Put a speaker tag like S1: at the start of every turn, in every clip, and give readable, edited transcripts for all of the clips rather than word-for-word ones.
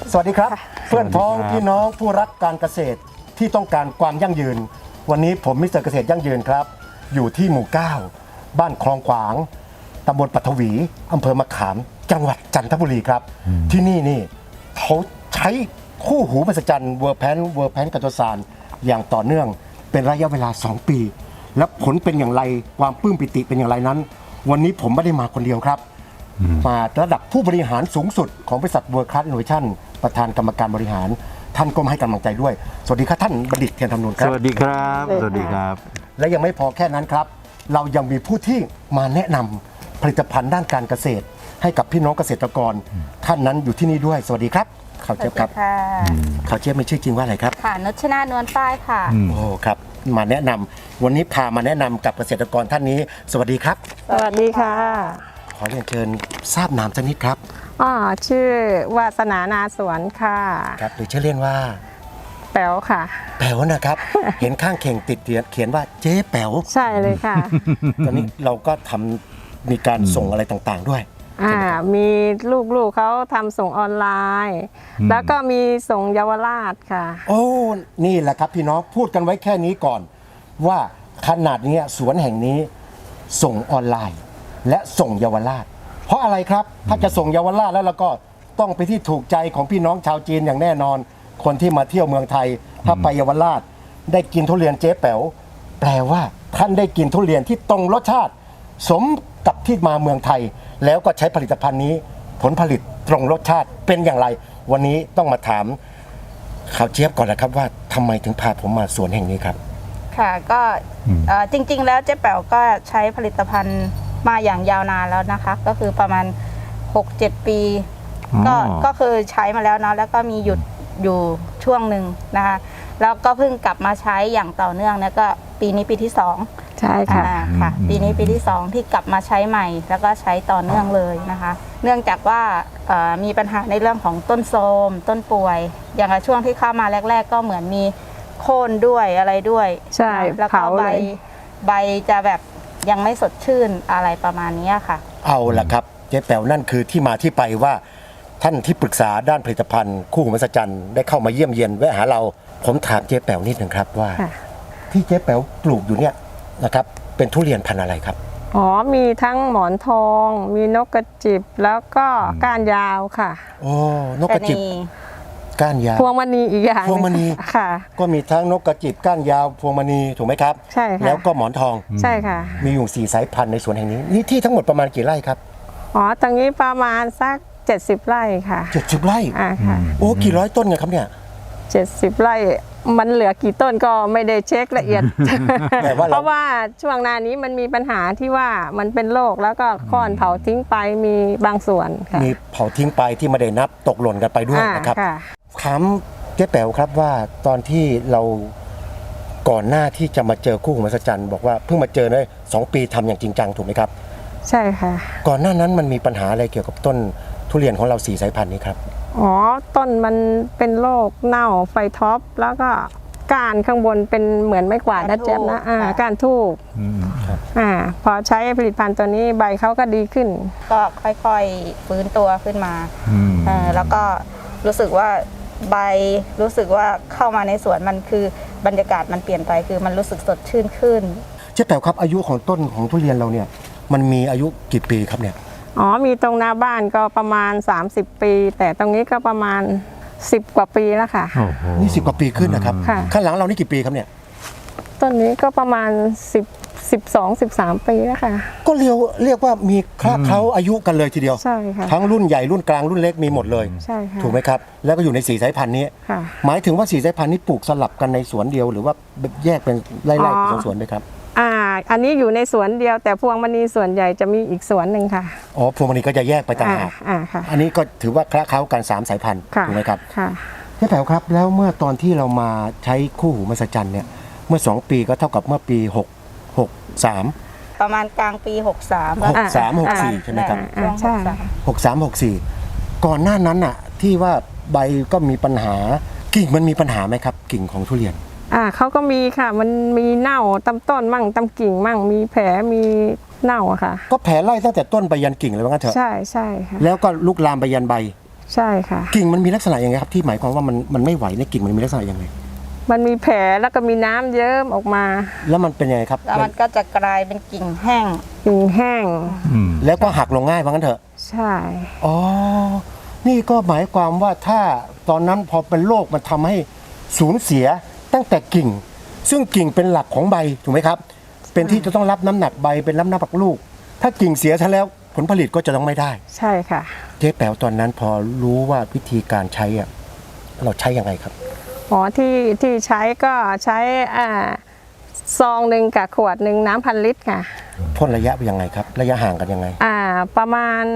S1: สวัสดีครับเพื่อนพ้องพี่น้องผู้รักการเกษตรที่ต้องการความยั่งยืนวันนี้ผมมิสเตอร์เกษตรยั่งยืนครับอยู่ที่หมู่ 9 บ้านคลองขวางตำบลปัทวีอำเภอมะขามจังหวัดจันทบุรีครับที่นี่เขาใช้คู่หูมหัศจรรย์เวอร์แพนกัตโตซานอย่างต่อเนื่องเป็นระยะเวลา2 ปีและผลเป็นอย่างไรความปลื้มปิติเป็นอย่างไรนั้นวันนี้ผมไม่ได้มาคนเดียวครับมาระดับผู้บริหารสูงสุดของบริษัท World Class Innovation ประธานกรรมการบริหารท่านก็มาให้กำลังใจด้วยสวัสดีครับท่านบัณฑิตเทียนธรรมนูญครับ
S2: สวัสดีครับสวัสดีครับ
S1: และยังไม่พอแค่นั้นครับเรายังมีผู้ที่มาแนะนำผลิตภัณฑ์ด้านการเกษตรให้กับพี่น้องเกษตรกรท่านนั้นอยู่ที่นี่ด้วยสวัสดีครับข่าวเจี๊ยบครับข่าวเจี๊ยบมีชื่อจริงว่าอะไรครับ
S3: ค่ะนุชนานวลป้ายค่ะ
S1: โอ้ครับมาแนะนำวันนี้พามาแนะนำกับเกษตรกรท่านนี้สวัสดีครับ
S4: สวัสดีค่ะ
S1: ขอเรียนเชิญทราบนามสักนิดครับ
S4: ชื่อวาสนานาสวนค่ะ
S1: ครับหรือชื่อเล่นว่า
S4: แป๋วค่ะ
S1: แป๋วนะครับ เห็นข้างเข่งติดเขียนว่าเจ๊แป๋ว
S4: ใช่เลยค่ะ
S1: ตอนนี้เราก็ทำมีการส่งอะไรต่างๆด้วย
S4: มีลูกๆเขาทำส่งออนไลน์แล้วก็มีส่งเยาวราชค่ะ
S1: โอ้นี่แหละครับพี่น้องพูดกันไว้แค่นี้ก่อนว่าขนาดนี้สวนแห่งนี้ส่งออนไลน์และส่งเยาวราชเพราะอะไรครับถ้าจะส่งเยาวราชแล้วเราก็ต้องไปที่ถูกใจของพี่น้องชาวจีนอย่างแน่นอนคนที่มาเที่ยวเมืองไทยถ้าไปเยาวราชได้กินทุเรียนเจ๊แป๋วแปลว่าท่านได้กินทุเรียนที่ตรงรสชาติสมกับที่มาเมืองไทยแล้วก็ใช้ผลิตภัณฑ์นี้ผลผลิตตรงรสชาติเป็นอย่างไรวันนี้ต้องมาถามข่าวเจี๊ยบก่อนนะครับว่าทำไมถึงพาผมมาสวนแห่งนี้ครับ
S3: ค่ะก็จริงๆแล้วเจ๊แป๋วก็ใช้ผลิตภัณฑ์มาอย่างยาวนานแล้วนะคะก็คือประมาณ 6-7 ปีก็คือใช้มาแล้วเนาะแล้วก็มีหยุดอยู่ช่วงหนึ่งนะคะแล้วก็เพิ่งกลับมาใช้อย่างต่อเนื่องแล้วก็ปีนี้ปีที่2
S4: ใช่ค่ะ
S3: ปีนี้ปีที่2ที่กลับมาใช้ใหม่แล้วก็ใช้ต่อเนื่องเลยนะคะเนื่องจากว่ามีปัญหาในเรื่องของต้นโทรมต้นป่วยอย่างช่วงที่เข้ามาแรกๆก็เหมือนมีโค่นด้วยอะไรด้วย
S4: ใช่
S3: แล้วก็ใบจะแบบยังไม่สดชื่นอะไรประมาณนี้ค่ะ
S1: เอาล่ะครับเจ๊แป๋วนั่นคือที่มาที่ไปว่าท่านที่ปรึกษาด้านผลิตภัณฑ์คู่หูมหัศจรรย์ได้เข้ามาเยี่ยมเยียนแวะหาเราผมถามเจ๊แป๋วนิดหนึ่งครับว่าที่เจ๊แป๋วปลูกอยู่เนี่ยนะครับเป็นทุเรียนพันธุ์อะไรครับ
S4: มีทั้งหมอนทองมีนกกระจิบแล้วก็ก้านยาวค่ะ
S1: โอ้นกกระจิบก้านยาว
S4: พวงมณีอีกอย่าง
S1: พวงมณี
S4: ค่ะ
S1: ก็มีทั้งนกกระจิบก้านยาวพวงมณีถูกไหมครับ
S4: ใช่ค่ะ
S1: แล้วก็หมอนทอง
S4: ใช่ค่ะ
S1: มีอยู่4 สายพันธุ์ในสวนแห่งนี้นี่ที่ทั้งหมดประมาณกี่ไร่ครับ
S4: ตรงนี้ประมาณสัก70 ไร่ค่ะ
S1: 70 ไร่
S4: ค่ะ
S1: โอ้กี่ร้อยต้นไงครับเนี่ย
S4: 70 ไร่มันเหลือกี่ต้นก็ไม่ได้เช็คละเอียดเพราะว่าช่วงหน้านี้มันมีปัญหาที่ว่ามันเป็นโรคแล้วก็ค้อนเผาทิ้งไปมีบางส่วนค่ะ
S1: มีเผาทิ้งไปที่ไม่ได้นับตกหล่นกันไปด้วยนะครับถามเจ๊แป๋วครับว่าตอนที่เราก่อนหน้าที่จะมาเจอคู่หูมหัศจรรย์บอกว่าเพิ่งมาเจอได้2 ปีทำอย่างจริงจังถูกไหมครับ
S4: ใช่ค่ะ
S1: ก่อนหน้านั้นมันมีปัญหาอะไรเกี่ยวกับต้นทุเรียนของเรา4 สายพันธุ์นี้ครับ
S4: ต้นมันเป็นโรคเน่าไฟท็อปแล้วก็ก้านข้างบนเป็นเหมือนไม้กวาดนะเจ๊บนะก้านทูบพอใช้ผลิตภัณฑ์ตัวนี้ใบเขาก็ดีขึ้น
S3: ก็ค่อยๆฟื้นตัวขึ้นมาแล้วก็รู้สึกว่าใบรู้สึกว่าเข้ามาในสวนมันคือบรรยากาศมันเปลี่ยนไปคือมันรู้สึกสดชื่นขึ้น
S1: เจ๊แป๋วครับอายุของต้นของทุเรียนเราเนี่ยมันมีอายุกี่ปีครับเนี่ย
S4: มีตรงหน้าบ้านก็ประมาณ30 ปีแต่ตรงนี้ก็ประมาณ10 กว่าปีแล้วค่ะ
S1: นี่10 กว่าปีขึ้นนะครับข้างหลังเรานี่กี่ปีครับเนี่ย
S4: ต้นนี้ก็ประมาณ12-13 ปีแล้วค่ะ
S1: ก็เรียกว่ามีคละเคล้าอายุกันเลยทีเดียว
S4: ใช่ค่ะ
S1: ทั้งรุ่นใหญ่รุ่นกลางรุ่นเล็กมีหมดเลย
S4: ใช่ค่ะ
S1: ถูกไหมครับแล้วก็อยู่ใน4 สายพันธุ์นี้หมายถึงว่า4 สายพันธุ์นี้ปลูกสลับกันในสวนเดียวหรือว่าแยกเป็นไร่ๆสวนๆไหมครับ
S4: อันนี้อยู่ในสวนเดียวแต่พวงมณีส่วนใหญ่จะมีอีกสวนหนึ่งค่ะ
S1: พวงมณีก็จะแยกไปต่างหากอันนี้ก็ถือว่าคละเคล้ากัน3 สายพันธุ์ถูกไหมครับเจ๊แป๋วครับแล้วเมื่อตอนที่เรามาใช้คู่หูมหัศจรรย์เนี่ยเมื่อ2 ปีก็เท่ากับเมื่อปี63
S3: ประมาณกลางปี
S1: 63-64ใช่ไหมครับ63-64ก่อนหน้านั้นน่ะที่ว่าใบก็มีปัญหากิ่งมันมีปัญหาไหมครับกิ่งของทุเรียน
S4: เขาก็มีค่ะมันมีเน่าตำต้นมั่งตำกิ่งมั่งมีแผลมีเน่าค่ะ
S1: ก็แผลไล่ตั้งแต่ต้นไปยันกิ่งเลยว่างั้นเถอะ
S4: ใช่ค่ะ
S1: แล้วก็ลุกลามไปยันใบ
S4: ใช่ค่ะ
S1: กิ่งมันมีลักษณะยังไงครับที่หมายความว่ามันไม่ไหวในกิ่งมันมีลักษณะยังไง
S4: มันมีแผลแล้วก็มีน้ำเยิ้มออกมา
S1: แล้วมันเป็นยังไงครับ
S3: แล้วมันก็จะกลายเป็นกิ่งแห้ง
S4: กิ่งแห้ง
S1: แล้วก็หักลงง่ายว่างั้นเถอะ
S4: ใช่
S1: อ๋อนี่ก็หมายความว่าถ้าตอนนั้นพอเป็นโรคมันทำให้สูญเสียตั้งแต่กิ่ง ซึ่งกิ่งเป็นหลักของใบถูกไหมครับ เป็นที่จะต้องรับน้ำหนักใบเป็นรับน้ำหนักลูก ถ้ากิ่งเสียซะแล้วผลผลิตก็จะต้องไม่ได้
S4: ใช่ค่ะ
S1: เจ๊แป๋วตอนนั้นพอรู้ว่าวิธีการใช้อะเราใช้ยังไงครับ
S4: อ๋อที่ใช้ก็ใช้ซองหนึ่งกับขวดหนึ่งน้ำ1,000 ลิตรค่ะ
S1: พ่นระยะเป็นยังไงครับ ระยะห่างกันยังไง
S4: ประมาณ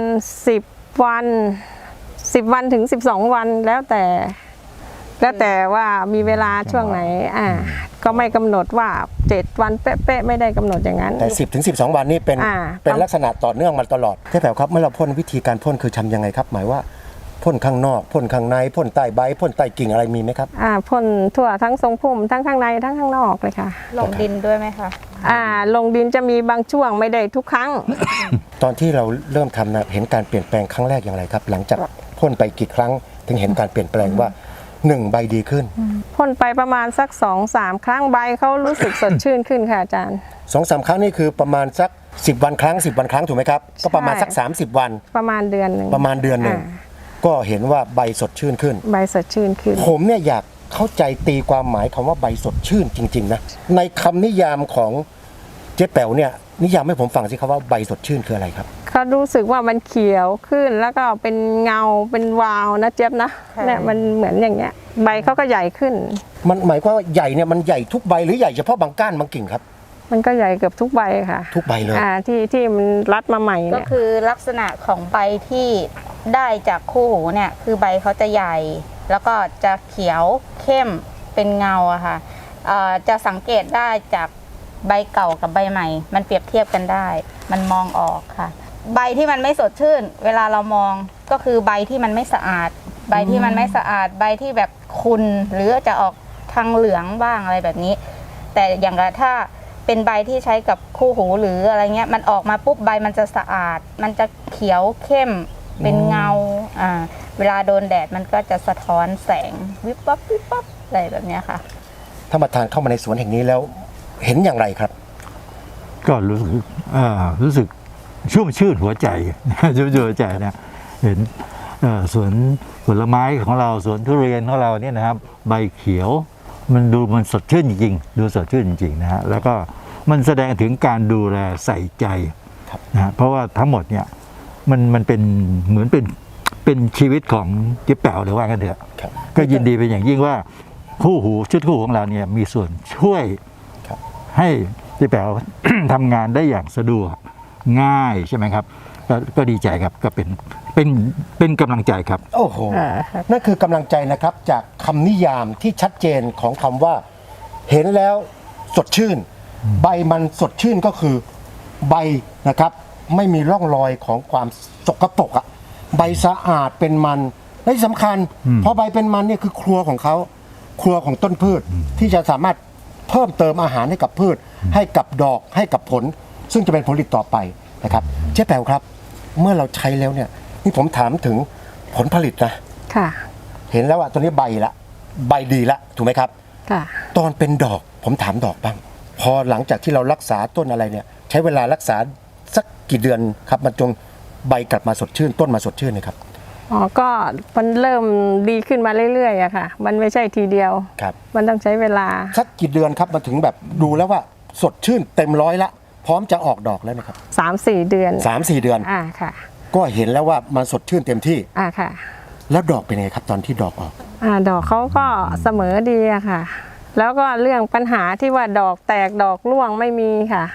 S4: 10 วันถึง12 วันแล้วแต่ว่ามีเวลาช่วงไหนก็ไม่กำหนดว่า7 วันเป๊ะๆไม่ได้กำหนดอย่างนั้น
S1: แต่ 10 ถึง 12 วันนี่เป็นลักษณะต่อเนื่องมาตลอดเจ๊แป๋วครับเมื่อเราพ่นวิธีการพ่นคือทำยังไงครับ หมายว่าพ่นข้างนอกพ่นข้างในพ่นใต้ใบพ่นใต้กิ่งอะไรมีไหมครับ
S4: พ่นทั่วทั้งทรงพุ่มทั้งข้างในทั้งข้างนอกเลยค่ะ
S3: ลงดินด้วยไหมคะ
S4: ลงดินจะมีบางช่วงไม่ได้ทุกครั้ง
S1: ตอนที่เราเริ่มทำนะเห็นการเปลี่ยนแปลงครั้งแรกอย่างไรครับ หลังจากพ่นไปกี่ครั้งถึงเห็นการเปลี่ยนแปลงว่า1ใบดีขึ้น
S4: พ่นไปประมาณสัก 2-3 ครั้งใบเขารู้สึกสดชื่นขึ้นค่ะอาจารย์
S1: 2-3 ครั้งนี่คือประมาณสัก10 วันครั้ง10 วันครั้งถูกไหมครับก็ประมาณสัก30 วัน
S4: ประมาณเดือนหนึ่ง
S1: ประมาณเดือนหนึ่งก็เห็นว่าใบสดชื่นขึ้น
S4: ใบสดชื่นขึ้น
S1: ผมเนี่ยอยากเข้าใจตีความหมายคำว่าใบสดชื่นจริงๆนะในคำนิยามของเจ๊แป๋วเนี่ยนิยามให้ผมฟังสิครับว่าใบสดชื่นคืออะไรครับ
S4: เขารู้สึกว่ามันเขียวขึ้นแล้วก็เป็นเงาเป็นวาวนะเจี๊ยบนะเนี่ยมันเหมือนอย่างเงี้ยใบเขาก็ใหญ่ขึ้น
S1: มันหมายความว่าใหญ่เนี่ยมันใหญ่ทุกใบหรือใหญ่เฉพาะบางก้านบางกิ่งครับ
S4: มันก็ใหญ่เกือบทุกใบค่ะ
S1: ทุกใบเลย
S4: ที่มันรัดมาใหม่
S3: ก็
S4: เนี่ย
S3: คือลักษณะของใบที่ได้จากคู่หูเนี่ยคือใบเขาจะใหญ่ แล้วก็จะเขียวเข้มเป็นเงาอะค่ะจะสังเกตได้จากใบเก่ากับใบใหม่ มันเปรียบเทียบกันได้ มันมองออกค่ะ ใบที่มันไม่สดชื่น เวลาเรามองก็คือใบที่มันไม่สะอาด ใบที่มันไม่สะอาด ใบที่แบบขุ่นหรือจะออกทางเหลืองบ้างอะไรแบบนี้ แต่อย่างถ้าเป็นใบที่ใช้กับคู่หูหรืออะไรเงี้ยมันออกมาปุ๊บใบมันจะสะอาด มันจะเขียวเข้มเป็นเงาเวลาโดนแดดมันก็จะสะท้อนแสงวิบวับวิบวับอะไรแบบเนี้ยค่ะ
S1: ถ้ามาทานเข้ามาในสวนแห่งนี้แล้วเห็นอย่างไรครับ
S2: ก็รู้สึกชุ่มชื่นหัวใจ ชุ่มชื่นหัวใจนะเห็นสวนผลไม้ของเราสวนทุเรียนของเราเนี่ยนะครับใบเขียวมันสดชื่นจริงๆดูสดชื่นจริงๆนะฮะแล้วก็มันแสดงถึงการดูแลใส่ใจนะฮะเพราะว่าทั้งหมดเนี่ยมันเป็นเหมือนเป็นชีวิตของเจ๊แป๋วหรือว่ากันเถอะ
S1: ครับ
S2: ก็ยินดีเป็นอย่างยิ่งว่าคู่หูชุดคู่หูของเราเนี่ยมีส่วนช่วย
S1: ครับ
S2: ให้เจ๊แป๋ว ทำงานได้อย่างสะดวกง่ายใช่ไหมครับก็ดีใจครับก็เป็นกำลังใจครับ
S1: โอ้โหนั่นคือกำลังใจนะครับจากคำนิยามที่ชัดเจนของคำว่าเห็นแล้วสดชื่น ใบมันสดชื่นก็คือใบนะครับไม่มีร่องรอยของความสกปรกอะใบสะอาดเป็นมันและที่สำคัญเพราะใบเป็นมันเนี่ยคือครัวของเขาครัวของต้นพืชที่จะสามารถเพิ่มเติมอาหารให้กับพืช ให้กับดอกให้กับผล ซึ่งจะเป็นผลผลิตต่อไปนะครับเจ๊แป๋วครับเมื่อเราใช้แล้วเนี่ยนี่ผมถามถึงผลผลิตนะ
S4: ค่ะ
S1: เห็นแล้วว่าตัวนี้ใบละใบดีละถูกไหมครับ
S4: ค่ะ
S1: ตอนเป็นดอกผมถามดอกบ้างพอหลังจากที่เรารักษาต้นอะไรเนี่ยใช้เวลารักษาสักกี่เดือนครับมันจนใบกลับมาสดชื่นต้นมาสดชื่นนะครับ
S4: ก็มันเริ่มดีขึ้นมาเรื่อยๆอะค่ะมันไม่ใช่ทีเดียว
S1: ครับ
S4: มันต้องใช้เวลา
S1: สักกี่เดือนครับมาถึงแบบดูแล้วว่าสดชื่นเต็มร้อยละพร้อมจะออกดอกแล้วนะครับ
S4: 3-4 เดือน
S1: 3-4 เดือน
S4: ค่ะ
S1: ก็เห็นแล้วว่ามันสดชื่นเต็มที่
S4: ค่ะ
S1: แล้วดอกเป็นไงครับตอนที่ดอกออก
S4: ดอกเขาก็เสมอดีอะค่ะ แล้วก็เรื่องปัญหาที่ว่าดอกแตกดอกร่วงไม่มีค่ะ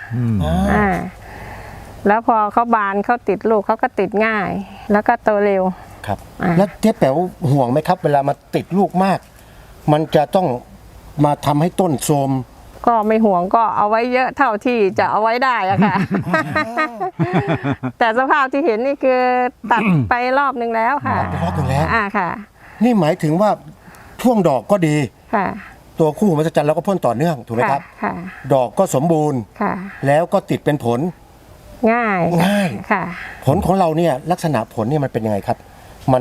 S4: แล้วพอเขาบานเขาติดลูกเขาก็ติดง่าย แล้วก็โตเร็ว
S1: ครับแล้วเจ๊แป๋วห่วงไหมครับ เวลามาติดลูกมาก มันจะต้องมาทำให้ต้นโทรม
S4: ก็ไม่ห่วงก็เอาไว้เยอะเท่าที่จะเอาไว้ได้อะค่ะ แต่สภาพที่เห็นนี่คือตัดไปรอบนึงแล้วค่ะ
S1: ไปรอบหนึ่งแล้ว
S4: ค่ะ
S1: นี่หมายถึงว่าช่วงดอกก็ดี
S4: ค่ะ
S1: ตัวคู่หูมหัศจรรย์เราก็พ่นต่อเนื่องถูกไหมครับ
S4: ค่ะ
S1: ดอกก็สมบูรณ์
S4: ค่ะ
S1: แล้วก็ติดเป็นผล
S4: ง่าย
S1: ง่าย
S4: ค่ะ
S1: ผลของเราเนี่ยลักษณะผลเนี่ยมันเป็นยังไงครับ มัน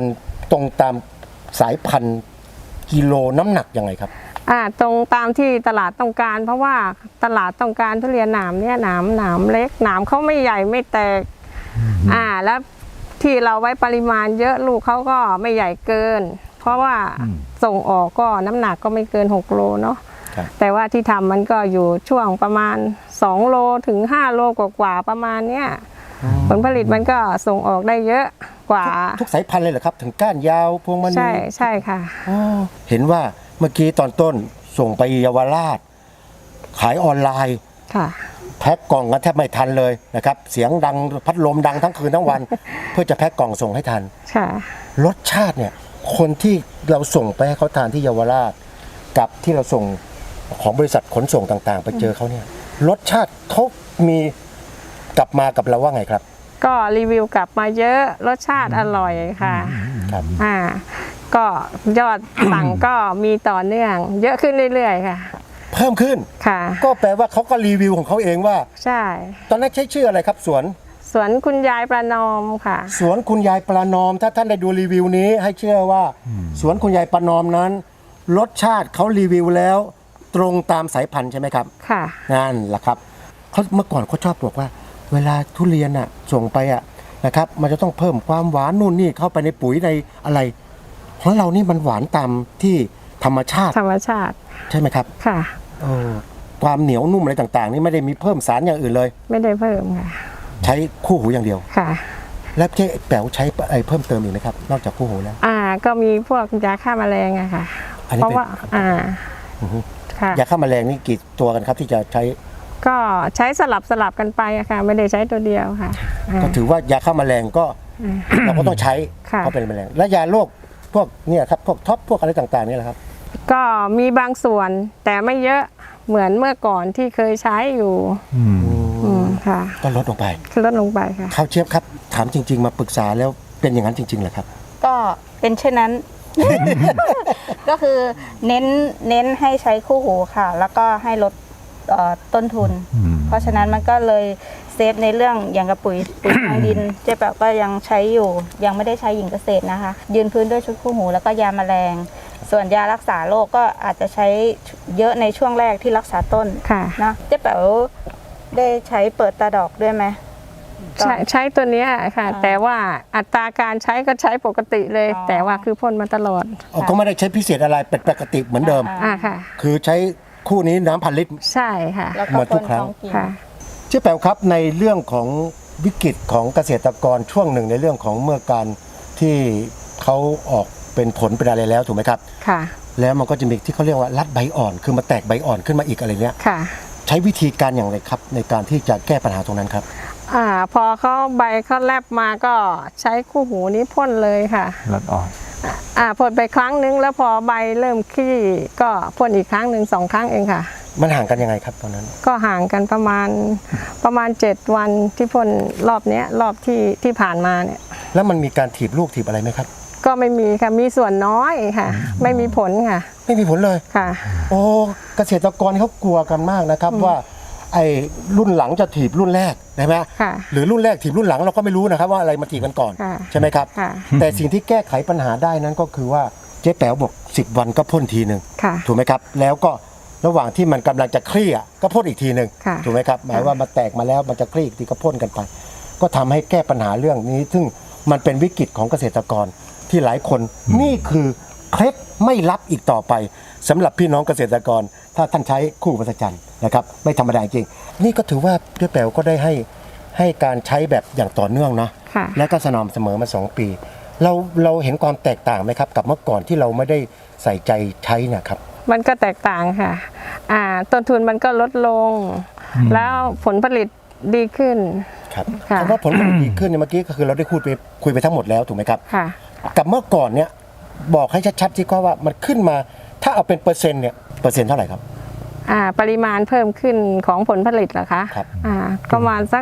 S1: ตรงตามสายพันธุ์กิโลน้ำหนักยังไงครับ
S4: ตรงตามที่ตลาดต้องการ เพราะว่าตลาดต้องการทุเรียนหนามเนี่ยหนามเล็กหนามเขาไม่ใหญ่ไม่แตกแล้วที่เราไว้ปริมาณเยอะลูกเขาก็ไม่ใหญ่เกิน เพราะว่าส่งออกก็น้ำหนักก็ไม่เกิน6โลเนาะ
S1: ครับ
S4: แต่ว่าที่ทำมันก็อยู่ช่วงประมาณ2โลถึง5โลกว่าๆประมาณเนี้ยผลผลิตมันก็ส่งออกได้เยอะกว่า
S1: ทุกสายพันธุ์เลยเหรอครับ ถึงก้านยาวพวงมณี
S4: ใช่ค่ะ
S1: อ๋อเห็นว่าเมื่อกี้ตอนต้นส่งไปเยาวราช ขายออนไลน์
S4: ค่ะ
S1: แพ็คกล่องก็แทบไม่ทันเลยนะครับ เสียงดังพัดลมดังทั้งคืนทั้งวัน เพื่อจะแพ็คกล่องส่งให้ทัน
S4: ค่ะ
S1: รสชาติเนี่ยคนที่เราส่งไปให้เขาทานที่เยาวราช กับที่เราส่งของบริษัทขนส่งต่างๆ ไปเจอเขาเนี่ยรสชาติเขามีกลับมากับเราว่าไงครับ
S4: ก็รีวิวกลับมาเยอะรสชาติอร่อยค่ะ
S1: ครับ
S4: ก็ยอดสั่งก็มีต่อเนื่อง เยอะขึ้นเรื่อยๆค่ะ
S1: เพิ่มขึ้น
S4: ค่ะ
S1: ก็แปลว่าเขาก็รีวิวของเขาเองว่า
S4: ใช่
S1: ตอนนั้นใช้ชื่ออะไรครับสวน
S4: สวนคุณยายประนอมค่ะ
S1: สวนคุณยายประนอม ถ้าท่านได้ดูรีวิวนี้ให้เชื่อว่า สวนคุณยายประนอมนั้น รสชาติเขารีวิวแล้ว ตรงตามสายพันธุ์ใช่ไหมครับ
S4: ค่ะ
S1: นั่นแหละครับเขาเมื่อก่อนเขาชอบบอกว่า เวลาทุเรียนส่งไปนะครับ มันจะต้องเพิ่มความหวานนู่นนี่เข้าไปในปุ๋ยในอะไรของเรานี่มันหวานตามที่ธรรมชาติ
S4: ธรรมชาติ
S1: ใช่ไหมครับ
S4: ค่ะ
S1: ความเหนียวนุ่มอะไรต่างๆ นี่ไม่ได้มีเพิ่มสารอย่างอื่นเลย
S4: ไม่ได้เพิ่มค่ะ
S1: ใช้คู่หูอย่างเดียว
S4: ค่ะ
S1: แล้วเจ๊แป๋วใช้อะไรเพิ่มเติมอีกไหมครับ นอกจากคู่หูแล้ว
S4: ก็มีพวกยาฆ่าแมลงอะค่ะ
S1: อันนี้
S4: เพราะว่าค่ะ
S1: ยาฆ่าแมลงนี่กี่ตัวกันครับที่จะใช้
S4: ก็ใช้สลับกันไปอะค่ะ ไม่ได้ใช้ตัวเดียวค่ะ
S1: ก็ถือว่ายาฆ่าแมลงก็เราก็ต้องใช้
S4: ค่ะ
S1: เพราะเป็นแมลงและยาโรคพวกเนี่ยครับพวกท็อปพวกอะไรต่างๆนี่แหละครับ
S4: ก็มีบางส่วนแต่ไม่เยอะเหมือนเมื่อก่อนที่เคยใช้อยู่ค่ะ
S1: ก็ลดลงไป
S4: ลดลงไปค่ะ
S1: ข้าวเชียบครับถามจริง ๆ มาปรึกษาแล้วเป็นอย่างนั้นจริงๆเหรอครับ
S3: ก็เป็นเช่นนั้น ก็คือเน้นให้ใช้คู่หูค่ะ แล้วก็ให้ลดต้นทุน เพราะฉะนั้นมันก็เลยเซฟในเรื่องอย่างกับปุ๋ยทางดิน เจ๊แป๋วก็ยังใช้อยู่ยังไม่ได้ใช้หญิงเกษตรนะคะ ยืนพื้นด้วยชุดคู่หูแล้วก็ยาแมลง ส่วนยารักษาโรคก็อาจจะใช้เยอะในช่วงแรกที่รักษาต้น
S4: ค่ะ
S3: นะเจ๊แป๋วได้ใช้เปิดตาดอกด้วยไหม
S4: ใช้ตัวเนี้ยค่ะ แต่ว่าอัตราการใช้ก็ใช้ปกติเลย แต่ว่าคือพ่นมาตลอด
S1: ก็ไม่ได้ใช้พิเศษอะไรเป็นปกติเหมือนเดิม
S4: ค่ะ
S1: คือใช้คู่นี้น้ำพันลิตร
S4: ใช่ค่ะ
S3: แล้ว
S1: เหมื
S3: ก็
S1: อนทุ
S3: พ่
S1: ก
S3: น
S1: ครั้ง
S3: ท้องกิ่ง
S4: ค่ะ
S1: เจ๊แป๋วครับในเรื่องของวิกฤตของเกษตรกรช่วงหนึ่งในเรื่องของเมื่อการที่เขาออกเป็นผลเป็นอะไรแล้วถูกไหมครับ
S4: ค่ะ
S1: แล้วมันก็จะมีที่เขาเรียกว่ารัดใบอ่อนคือมาแตกใบอ่อนขึ้นมาอีกอะไรเนี้ย
S4: ค่ะ
S1: ใช้วิธีการอย่างไรครับในการที่จะแก้ปัญหาตรงนั้นครับ
S4: พอเขาใบเขาแลบมาก็ใช้คู่หูนี้พ่นเลยค่ะ
S2: ลดอ่อน
S4: พ่นไปครั้งนึงแล้วพอใบเริ่มขี้ก็พ่นอีกครั้งหนึ่ง2 ครั้งเองค่ะ
S1: มันห่างกันยังไงครับตอนนั้น
S4: ก็ห่างกันประมาณ7 วันที่พ่นรอบเนี้ยรอบที่ผ่านมาเนี่ย
S1: แล้วมันมีการถีบลูกถีบอะไรไหมครับ
S4: ก็ไม่มีค่ะมีส่วนน้อยค่ะ ไม่มีผลค่ะ
S1: ไม่มีผลเลย
S4: ค่ะ
S1: โอ้เกษตรกรเขากลัวกันมากนะครับว่าไอ้รุ่นหลังจะถีบรุ่นแรกใช่ไหม
S4: ค่ะ
S1: หรือรุ่นแรกถีบรุ่นหลังเราก็ไม่รู้นะครับว่าอะไรมาถีบกันก่อน
S4: ค่ะ
S1: ใช่ไหมครับ
S4: ค่ะ
S1: แต่สิ่งที่แก้ไขปัญหาได้นั้นก็คือว่าเจ๊แป๋วบอก10 วันก็พ่นทีหนึ่ง
S4: ค่ะ
S1: ถูกไหมครับแล้วก็ระหว่างที่มันกำลังจะคลี่ก็พ่นอีกทีหนึ่ง
S4: ค่ะ
S1: ถูกไหมครับหมายว่ามาแตกมาแล้วมันจะคลี่อีกทีก็พ่นกันไป ก็ทำให้แก้ปัญหาเรื่องนี้ ซึ่งมันเป็นวิกฤตของเกษตรกรที่หลายคนนี่คือเคล็ดไม่ลับอีกต่อไปสำหรับพี่น้องเกษตรกร ถ้าท่านใช้คู่มหัศจรรย์นะครับไม่ธรรมดาจริงนี่ก็ถือว่าเจ๊แป๋วก็ได้ให้การใช้แบบอย่างต่อเนื่องนะ
S4: ค่ะ
S1: และก็สม่ำเสมอมา2 ปี เราเห็นความแตกต่างไหมครับ กับเมื่อก่อนที่เราไม่ได้ใส่ใจใช้เนะครับ
S4: มันก็แตกต่างค่ะ ต้นทุนมันก็ลดลง แล้วผลผลิตดีขึ้น
S1: ครับ
S4: ค่ะ
S1: คำว่าผลผลิตดีขึ้นเนี่ยเมื่อกี้ก็คือเราได้คุยไปทั้งหมดแล้วถูกไหมครับ
S4: ค่ะ
S1: กับเมื่อก่อนเนี่ยบอกให้ชัดๆที่ว่ามันขึ้นมาถ้าเอาเป็นเปอร์เซ็นต์เนี่ยเปอร์เซ็นต์เท่าไหร่ครับ
S4: ปริมาณเพิ่มขึ้นของผลผลิตเหรอคะ
S1: ครับ
S4: ประมาณสัก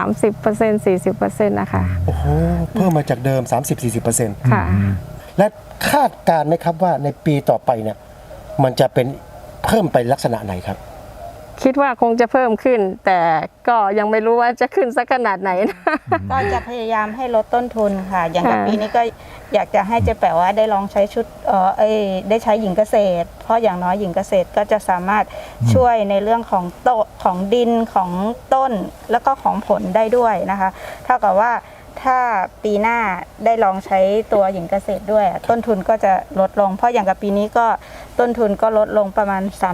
S4: 30% 40%นะคะ
S1: โอ้โหเพิ่มมาจากเดิม 30-40%
S4: ค่ะ
S1: และคาดการณ์ไหมครับว่าในปีต่อไปเนี่ยมันจะเป็นเพิ่มไปลักษณะไหนครับ
S4: คิดว่าคงจะเพิ่มขึ้น แต่ก็ยังไม่รู้ว่าจะขึ้นสักขนาดไหนนะ
S3: ก็จะพยายามให้ลดต้นทุนค่ะ อย่างกับ
S4: ค่ะ
S3: ปีนี้ก็อยากจะให้เจ๊แป๋วว่าได้ลองใช้ชุดได้ใช้หญิงเกษตร เพราะอย่างน้อยหญิงเกษตรก็จะสามารถช่วยในเรื่องของของดินของต้นแล้วก็ของผลได้ด้วยนะคะเท่ากับว่าถ้าปีหน้าได้ลองใช้ตัวหญิงเกษตรด้วยต้นทุนก็จะลดลง เพราะอย่างกับปีนี้ก็ต้นทุนก็ลดลงประมาณ
S4: ใช่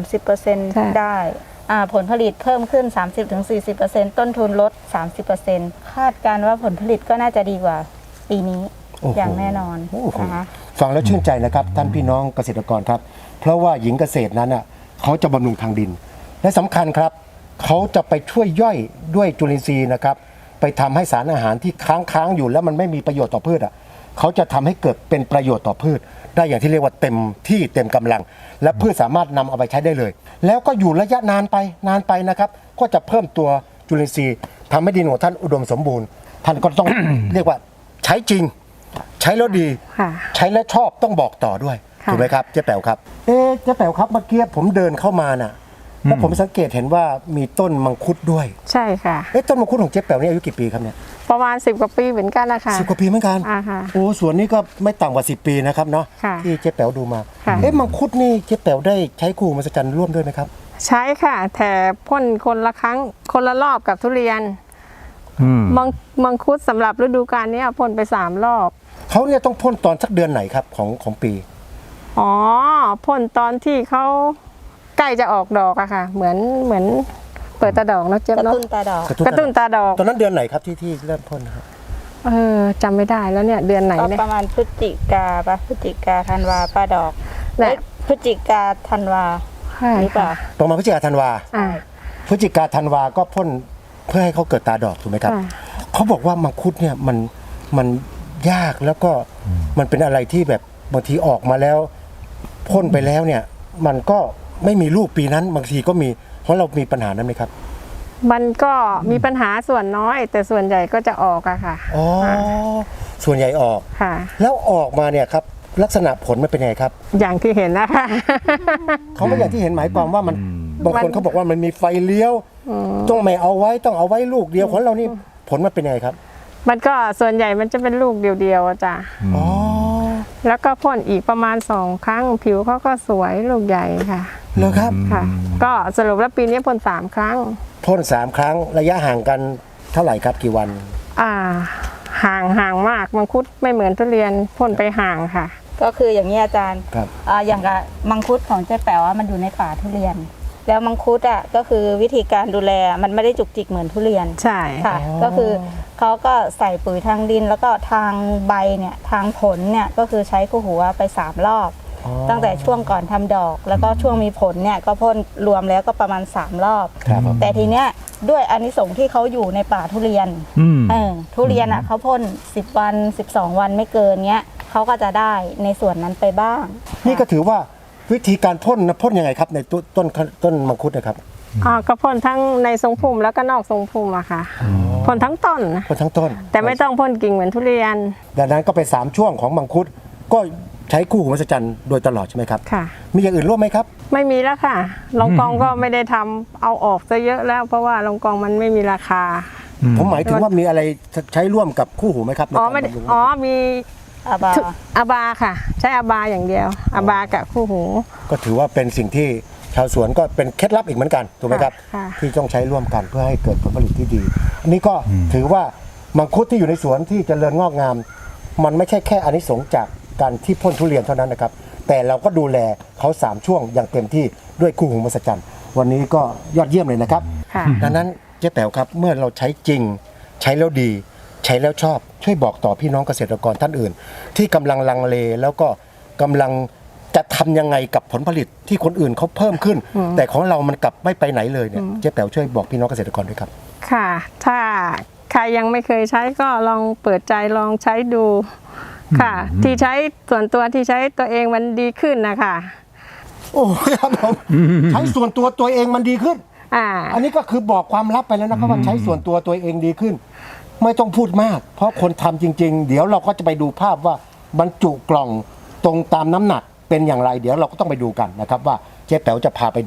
S3: 30%ได้ผลผลิตเพิ่มขึ้น 30-40%ต้นทุนลด 30%คาดการณ์ว่าผลผลิตก็น่าจะดีกว่าปีนี้
S1: โอ้โห
S3: อย่างแน่นอน
S1: โอ้โห
S3: นะคะ
S1: ฟังแล้วชื่นใจนะครับท่านพี่น้องเกษตรกรครับ เพราะว่าหญิงเกษตรนั้นอ่ะเขาจะบำรุงทางดิน และสำคัญครับเขาจะไปช่วยย่อยด้วยจุลินทรีย์นะครับ ไปทำให้สารอาหารที่ค้างอยู่แล้วมันไม่มีประโยชน์ต่อพืชอ่ะเขาจะทำให้เกิดเป็นประโยชน์ต่อพืช ได้อย่างที่เรียกว่าเต็มที่เต็มกำลัง และพืชสามารถนำเอาไปใช้ได้เลย แล้วก็อยู่ระยะนานไปนะครับก็จะเพิ่มตัวจุลินทรีย์ทำให้ดินของท่านอุดมสมบูรณ์ ท่านก็ต้อง เรียกว่าใช้จริง ใช้แล้วดี
S4: ค่ะ
S1: ใช้แล้วชอบต้องบอกต่อด้วย
S4: ค่ะ
S1: ถูกไหมครับเจ๊แป๋วครับเจ๊แป๋วครับเมื่อกี้ผมเดินเข้ามาน่ะแล้วผมสังเกตเห็นว่ามีต้นมังคุดด้วย
S4: ใช่ค่ะ
S1: ต้นมังคุดของเจ๊แป๋วนี่อายุกี่ปีครับเนี่ย
S4: ประมาณ10 กว่าปีเหมือนกันนะคะ
S1: 10 กว่าปีเหมือนกัน
S4: ค่ะ
S1: โอ้สวนนี้ก็ไม่ต่ำกว่า10 ปีนะครับเนาะ
S4: ค่ะ
S1: ที่เจ๊แป๋วดูมา
S4: ค่ะ
S1: มังคุดนี่เจ๊แป๋วได้ใช้คู่มหัศจรรย์ร่วมด้วยไหมครับ
S4: ใช้ค่ะแต่พ่นคนละครั้งคนละรอบกับทุเรียน
S2: อืม
S4: มังคุดสำหรับฤดูกาลนี้พ่นไป3 รอบ
S1: เขาเนี่ยต้องพ่นตอนสักเดือนไหนครับของปี
S4: อ๋อพ่นตอนที่เขาใกล้จะออกดอกอะค่ะ เหมือนเปิดตาดอกเนอะเจ๊บ
S3: กระ
S4: เนาะ
S3: ตุ้นตาดอก
S4: กระตุ้นตาดอก
S1: ตอนนั้นเดือนไหนครับที่เริ่มพ่นนะครับ
S4: จำไม่ได้แล้วเนี่ยเดือนไหน
S3: ก็
S4: เนี่ย
S3: ประมาณพฤศจิกาปะพฤศจิกาธันวาป้าดอก
S4: และ
S3: พฤศจิกาธันวา
S4: ใช่
S3: หรือเปล่า
S1: ประมาณพฤศจิกาธันวา
S4: อ่า
S1: พฤศจิกาธันวาก็พ่นเพื่อให้เขาเกิดตาดอกถูกไหมครับ
S4: ค่ะ
S1: เขาบอกว่ามังคุดเนี่ยมันยากแล้วก็มันเป็นอะไรที่แบบบางทีออกมาแล้วพ่นไปแล้วเนี่ย มันก็ไม่มีลูกปีนั้นบางทีก็มีเพราะเรามีปัญหานั้นไหมครับ
S4: มันก็มีปัญหาส่วนน้อย แต่ส่วนใหญ่ก็จะออกอะค่ะ
S1: อ๋อส่วนใหญ่ออก
S4: ค่ะ
S1: แล้วออกมาเนี่ยครับลักษณะผลมันเป็นยังไงครับ
S4: อย่างที่เห็นนะคะ
S1: เขาไม่อย่างที่เห็นหมายความว่ามันบางคนเขาบอกว่ามันมีไฟเลี้ยวต้องไม่เอาไว้ต้องเอาไว้ลูกเดียวของเรานี่ผลมันเป็นยังไงครับ
S4: มันก็ส่วนใหญ่มันจะเป็นลูกเดียวๆอะจ้ะ
S1: อ๋อ
S4: แล้วก็พ่นอีกประมาณ2 ครั้ง ผิวเขาก็สวยลูกใหญ่ค่ะ
S1: เหรอครับ
S4: ค่ะ ก็สรุปแล้วปีนี้พ่น3 ครั้ง
S1: พ่น3 ครั้งระยะห่างกันเท่าไหร่ครับกี่วัน
S4: ห่างมากมังคุดไม่เหมือนทุเรียนพ่นไปห่างค่ะ
S3: ก็คืออย่างนี้อาจารย์
S1: ครับ
S3: อย่างกับมังคุดของเจ๊แป๋วมันอยู่ในป่าทุเรียน แล้วมังคุดก็คือวิธีการดูแลมันไม่ได้จุกจิกเหมือนทุเรียน
S4: ใช่
S3: ค่ะ ก็คือเขาก็ใส่ปุ๋ยทางดินแล้วก็ทางใบเนี่ยทางผลเนี่ยก็คือใช้คู่หัวไป3 รอบ ตั้งแต่ช่วงก่อนทำดอก แล้วก็ช่วงมีผลเนี่ยก็พ่นรวมแล้วก็ประมาณ3 รอบ
S1: ครับผม
S3: แต่ทีเนี้ยด้วยอานิสงส์ที่เขาอยู่ในป่าทุเรียน
S2: อืม
S3: ทุเรียนเขาพ่น10 วัน 12 วันไม่เกินเงี้ยเขาก็จะได้ในส่วนนั้นไปบ้าง
S1: นี่ก็ถือว่าวิธีการพ่นนะพ่นยังไงครับในต้นมังคุดนะครับ
S4: ก็พ่นทั้งในทรงพุ่มแล้วก็นอกทรงพุ่มอะค่ะพ่นทั้งต้นนะ
S1: พ่นทั้งต้น
S4: แต่ไม่ต้องพ่นกิ่งเหมือนทุเรียน
S1: ดังนั้นก็เป็น3 ช่วงของมังคุดก็ใช้คู่หูมหัศจรรย์โดยตลอดใช่ไหมครับ
S4: ค่ะ
S1: มีอย่างอื่นร่วมไหมครับ
S4: ไม่มีแล้วค่ะลองกองก็ไม่ได้ทำเอาออกซะเยอะแล้ว เพราะว่าลองกองมันไม่มีราคา
S1: ผมหมายถึงว่ามีอะไรใช้ร่วมกับคู่หูไหมครับใน
S4: อ๋อ
S1: การ
S4: ไม่ได้
S1: บำรุง
S4: มี
S3: อาบา
S4: อาบาค่ะ ใช้อาบาอย่างเดียวอาบากับคู่หู
S1: ก็ถือว่าเป็นสิ่งที่ชาวสวนก็เป็นเคล็ดลับอีกเหมือนกันถูกไหมครับ
S4: ค่ะ
S1: ที่ต้องใช้ร่วมกันเพื่อให้เกิดผลผลิตที่ดี อันนี้ก็ถือว่ามังคุดที่อยู่ในสวนที่เจริญงอกงาม มันไม่ใช่แค่อานิสงส์จากการที่พ่นทุเรียนเท่านั้นนะครับ แต่เราก็ดูแลเขา3 ช่วงอย่างเต็มที่ด้วยคู่หูมหัศจรรย์วันนี้ก็ยอดเยี่ยมเลยนะครับ
S4: ค่ะ
S1: ดังนั้นเจ๊แป๋วครับเมื่อเราใช้จริงใช้แล้วดี ใช้แล้วชอบช่วยบอกต่อพี่น้องเกษตรกรท่านอื่น ที่กำลังลังเลแล้วก็กำลังจะทำยังไงกับผลผลิตที่คนอื่นเขาเพิ่มขึ้น แต่ของเรามันกลับไม่ไปไหนเลยเนี่ยเจ๊แป๋วช่วยบอกพี่น้องเกษตรกรด้วยครับ
S4: ค่ะ ถ้าใครยังไม่เคยใช้ก็ลองเปิดใจลองใช้ดูค่ะ ที่ใช้ส่วนตัวที่ใช้ตัวเองมันดีขึ้นนะคะ
S1: โอ้ครับผมใช้ส่วนตัวเองมันดีขึ้น อันนี้ก็คือบอกความลับไปแล้วนะครับว่าใช้ส่วนตัวเองดีขึ้น ไม่ต้องพูดมาก เพราะคนทำจริง ๆ เดี๋ยวเราก็จะไปดูภาพว่าบรรจุกล่องตรงตามน้ำหนักเป็นอย่างไร เดี๋ยวเราก็ต้องไปดูกันนะครับว่าเจ๊แป๋วจะพาไปดู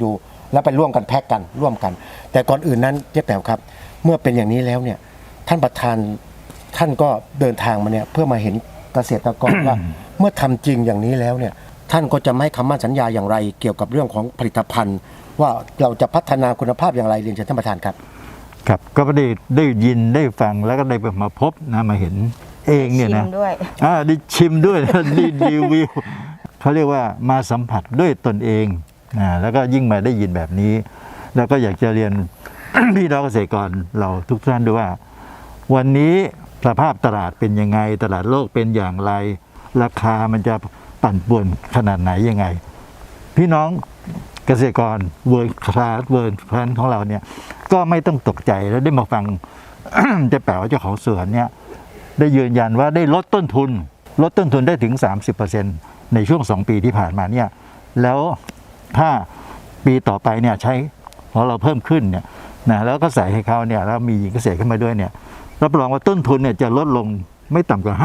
S1: แล้วไปร่วมกันแพ็กกันร่วมกัน แต่ก่อนอื่นนั้นเจ๊แป๋วครับ เมื่อเป็นอย่างนี้แล้วเนี่ยท่านประธานท่านก็เดินทางมาเนี่ยเพื่อมาเห็นเกษตรกร ว่าเมื่อทำจริงอย่างนี้แล้วเนี่ยท่านก็จะไม่ให้คำมั่นสัญญาอย่างไร เกี่ยวกับเรื่องของผลิตภัณฑ์ ว่าเราจะพัฒนาคุณภาพอย่างไรเรียนเชิญท่านประธานครับ
S2: ครับก็ได้ยินได้ฟังแล้วก็ได้มาพบนะมาเห็นเองเนี่ยนะ
S3: ชิมด้วย
S2: ได้ชิมด้วย นะได้รีวิวเขาเรียกว่ามาสัมผัสด้วยตนเองแล้วก็ยิ่งมาได้ยินแบบนี้ แล้วก็อยากจะเรียน พี่น้องเกษตรกรเราทุกท่านด้วยว่า วันนี้สภาพตลาดเป็นยังไงตลาดโลกเป็นอย่างไร ราคามันจะปั่นป่วนขนาดไหนยังไง พี่น้องเกษตรกรเวิร์คลาสของเราเนี่ยก็ไม่ต้องตกใจแล้วได้มาฟัง เจ๊แป๋วเจ้าของสวนเนี่ยได้ยืนยันว่าได้ลดต้นทุนได้ถึง 30% ในช่วง 2 ปีที่ผ่านมาเนี่ยแล้วถ้าปีต่อไปเนี่ยใช้ของเราเพิ่มขึ้นเนี่ยนะแล้วก็ใส่ให้เขาเนี่ยแล้วมีหญิงเกษตรขึ้นมาด้วยเนี่ยรับรองว่าต้นทุนเนี่ยจะลดลงไม่ต่ำกว่า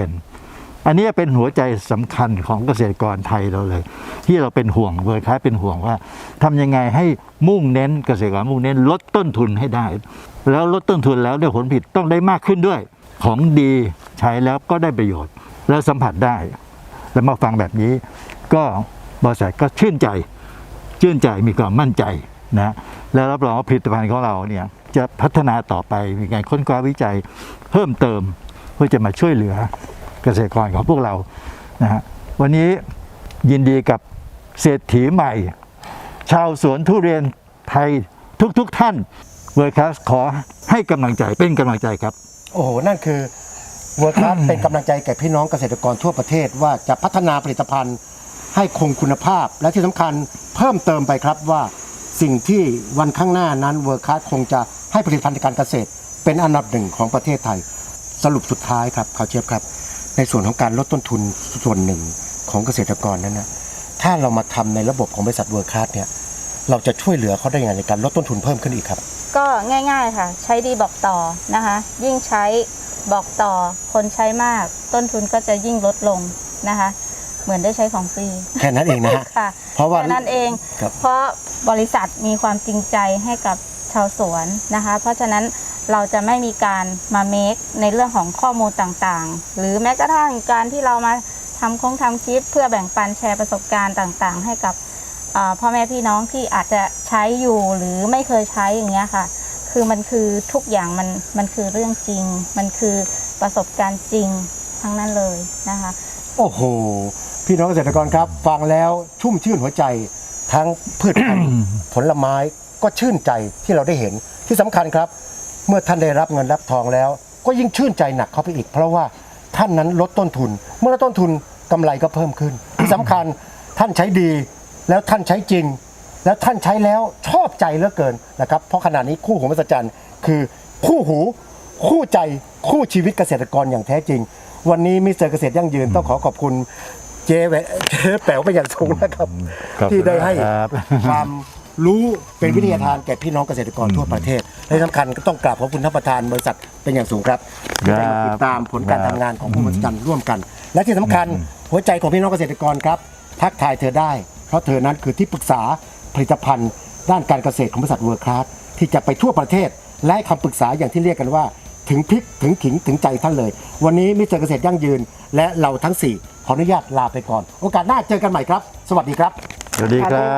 S2: 50%อันนี้เป็นหัวใจสำคัญของเกษตรกรไทยเราเลย ที่เราเป็นห่วงเวอร์คลาสเป็นห่วงว่าทำยังไงให้มุ่งเน้นเกษตรกรมุ่งเน้นลดต้นทุนให้ได้ แล้วลดต้นทุนแล้วได้ผลผลิตต้องได้มากขึ้นด้วยของดีใช้แล้วก็ได้ประโยชน์ แล้วสัมผัสได้ แล้วมาฟังแบบนี้ก็บริษัทก็ชื่นใจมีความมั่นใจนะแล้วรับรองว่าผลิตภัณฑ์ของเราเนี่ยจะพัฒนาต่อไปมีการค้นคว้าวิจัยเพิ่มเติมเพื่อจะมาช่วยเหลือเกษตรกรของพวกเรานะฮะวันนี้ยินดีกับเศรษฐีใหม่ ชาวสวนทุเรียนไทยทุกท่านเวิร์คลาสขอให้กำลังใจเป็นกำลังใจครับ
S1: โอ้โห นั่นคือเวิร์คลาสเป็นกำลังใจแก่พี่น้องเกษตรกรทั่วประเทศว่าจะพัฒนาผลิตภัณฑ์ให้คงคุณภาพ และที่สำคัญเพิ่มเติมไปครับว่าสิ่งที่วันข้างหน้านั้นเวิร์คลาสคงจะให้ผลิตภัณฑ์การเกษตรเป็นอันดับหนึ่งของประเทศไทย สรุปสุดท้ายครับข่าวเชียบครับ ในส่วนของการลดต้นทุนส่วนหนึ่งของเกษตรกรนั้นนะถ้าเรามาทำในระบบของบริษัทเวิร์คลาสเนี่ยเราจะช่วยเหลือเขาได้ยังไงในการลดต้นทุนเพิ่มขึ้นอีกครับ
S3: ก็ง่ายๆค่ะ ใช้ดีบอกต่อนะคะ ยิ่งใช้บอกต่อคนใช้มาก ต้นทุนก็จะยิ่งลดลงนะคะ เหมือนได้ใช้ของฟรี
S1: แค่นั้นเองนะฮะ
S3: ค่ะ
S1: เพราะว่า
S3: แค่นั้นเอง
S1: ครับ
S3: เพราะบริษัทมีความจริงใจให้กับชาวสวนนะคะ เพราะฉะนั้นเราจะไม่มีการมาเมคในเรื่องของข้อมูลต่างๆ หรือแม้กระทั่งการที่เรามาทำคลิปเพื่อแบ่งปันแชร์ประสบการณ์ต่างๆ ให้กับพ่อแม่พี่น้องที่อาจจะใช้อยู่หรือไม่เคยใช้อย่างเงี้ยค่ะ คือมันคือทุกอย่างมันคือเรื่องจริง มันคือประสบการณ์จริงทั้งนั้นเลยนะคะ
S1: โอ้โห พี่น้องเกษตรกรครับ ฟังแล้วชุ่มชื่นหัวใจทั้งพืชพันธุ์ ผลไม้ก็ชื่นใจที่เราได้เห็นที่สำคัญครับ เมื่อท่านได้รับเงินรับทองแล้ว ก็ยิ่งชื่นใจหนักเข้าไปอีก เพราะว่าท่านนั้นลดต้นทุน เมื่อลดต้นทุนกำไรก็เพิ่มขึ้น ที่สำคัญท่านใช้ดีแล้วท่านใช้จริง แล้วท่านใช้แล้วชอบใจเหลือเกินนะครับเพราะขณะนี้คู่หูมหัศจรรย์คือคู่หูคู่ใจคู่ชีวิตเกษตรกรอย่างแท้จริง วันนี้มิสเตอร์เกษตรยั่งยืนต้องขอบคุณเจ๊แป๋วเป็นอย่างสูงนะครับ
S2: ขอบคุณ
S1: ที่ได้ให้
S2: ครับ
S1: ความรู้เป็นวิทยาทานแก่พี่น้องเกษตรกรทั่วประเทศและที่สำคัญก็ต้องกราบขอบคุณท่านประธานบริษัทเป็นอย่างสูงครับที่ได้มาติดตามผลการทำงานของผู้มหัศจรรย์ร่วมกัน และที่สำคัญหัวใจของพี่น้องเกษตรกรครับทักทายเธอได้เพราะเธอนั้นคือที่ปรึกษาผลิตภัณฑ์ด้านการเกษตรของบริษัทเวิร์คลาสที่จะไปทั่วประเทศและให้คำปรึกษาอย่างที่เรียกกันว่าถึงพริกถึงขิงถึงใจท่านเลย วันนี้มิสเตอร์เกษตรยั่งยืน และเราทั้ง 4 ขออนุญาตลาไปก่อน โอกาสหน้าเจอกันใหม่ครับ สวัสดีครับ
S2: สวัสดีครับ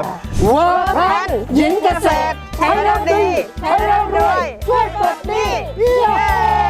S4: เวิร์คลาสหญิงเกษตรใช้แล้วดีใช้แล้วรวยช่วยปลดหนี้เย้